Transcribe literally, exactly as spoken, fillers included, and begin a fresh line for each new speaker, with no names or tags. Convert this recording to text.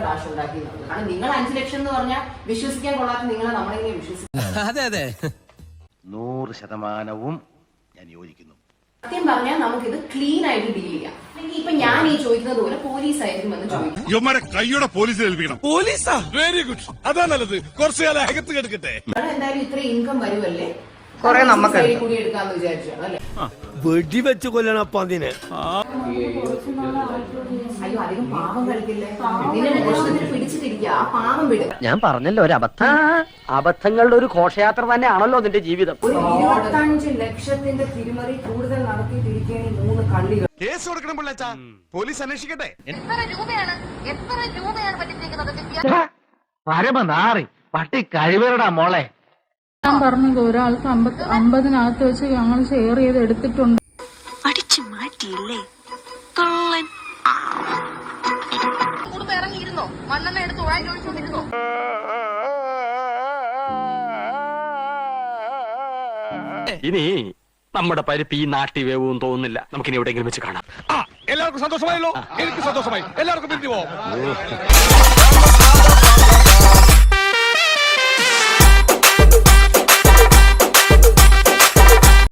കാശ് ഉണ്ടാക്കി എന്നുള്ളത്. കാരണം നിങ്ങൾ അഞ്ചു ലക്ഷം എന്ന് പറഞ്ഞാൽ വിശ്വസിക്കാൻ കൊള്ളാത്ത നിങ്ങളെ നമ്മളെങ്ങനെ വിശ്വസിക്കും?
അതെ അതെ
നൂറ് ശതമാനവും ഞാൻ യോജിക്കുന്നു.
സത്യം പറഞ്ഞാൽ നമുക്കിത് ക്ലീൻ ആയിട്ട് ഡീൽ ചെയ്യാം. അല്ലെങ്കിൽ ഇപ്പൊ ഞാൻ ഈ ചോദിക്കുന്നത് പോലെ പോലീസ് ആയിരിക്കും എന്ന് ചോദിക്കും.
ഇവന്മാരെ കൈയോടെ പോലീസിൽ ഏൽപ്പിക്കണം. പോലീസാ വെരി ഗുഡ്, അതാ നല്ലത്. കുറച്ചു കാലം അകത്ത് കിടക്കട്ടെ.
എന്തായാലും ഇത്ര ഇൻകം വരുമല്ലേ,
കൊറേ നമുക്ക്
കൂടി എടുക്കാന്ന് വിചാരിച്ചാണ് അല്ലെ.
വെടിവെച്ച് കൊല്ലണപ്പ അതിനെ.
അയ്യോ അധികം പാവം കളിക്കില്ലേ, നിന്നെ മോഷണത്തിന് പിടിച്ചിട്ടിരിക്കുക, ആ പാവം വിടുക.
ഞാൻ പറഞ്ഞല്ലോ ഒരു അബദ്ധം. അബദ്ധങ്ങളുടെ ഒരു ഘോഷയാത്ര തന്നെയാണല്ലോ നിന്റെ ജീവിതം.
ഒരു ഇരുപത്തഞ്ച് ലക്ഷത്തിന്റെ തിരിമറി കൂടുതൽ നടത്തിയിട്ടിരിക്കുകയാണ് ഈ മൂന്ന് കള്ളികൾ.
കേസ് കൊടുക്കണം പിള്ളേച്ചാ, പോലീസ് അന്വേഷിക്കട്ടെ.
എത്ര രൂപയാണ് എത്ര രൂപയാണ് പറ്റിച്ചിരിക്കുന്നത്?
പരമനാറി പട്ടി കഴിവരടാ മോളെ.
ഞാൻ പറഞ്ഞത് ഒരാൾക്ക് അമ്പത് അമ്പതിനകത്ത് വെച്ച് ഞങ്ങൾ ഷെയർ ചെയ്ത് എടുത്തിട്ടുണ്ട്.
അടിച്ചു മാറ്റിയില്ലേ കള്ളൻ. കുടുംബം ഇറങ്ങിയിരുന്നോ? മണ്ണെണ്ണ എടുത്ത് ഉഴാൻ ചോദിച്ചോണ്ടിരുന്നോ?
ഇനി നമ്മുടെ പരിപ്പ് ഈ നാട്ടി വേവും തോന്നുന്നില്ല. നമുക്കിനി എവിടെയെങ്കിലും വെച്ച് കാണാം.
എല്ലാവർക്കും സന്തോഷമായല്ലോ. എനിക്ക് സന്തോഷമായി. എല്ലാവർക്കും പിരിഞ്ഞു പോവാം.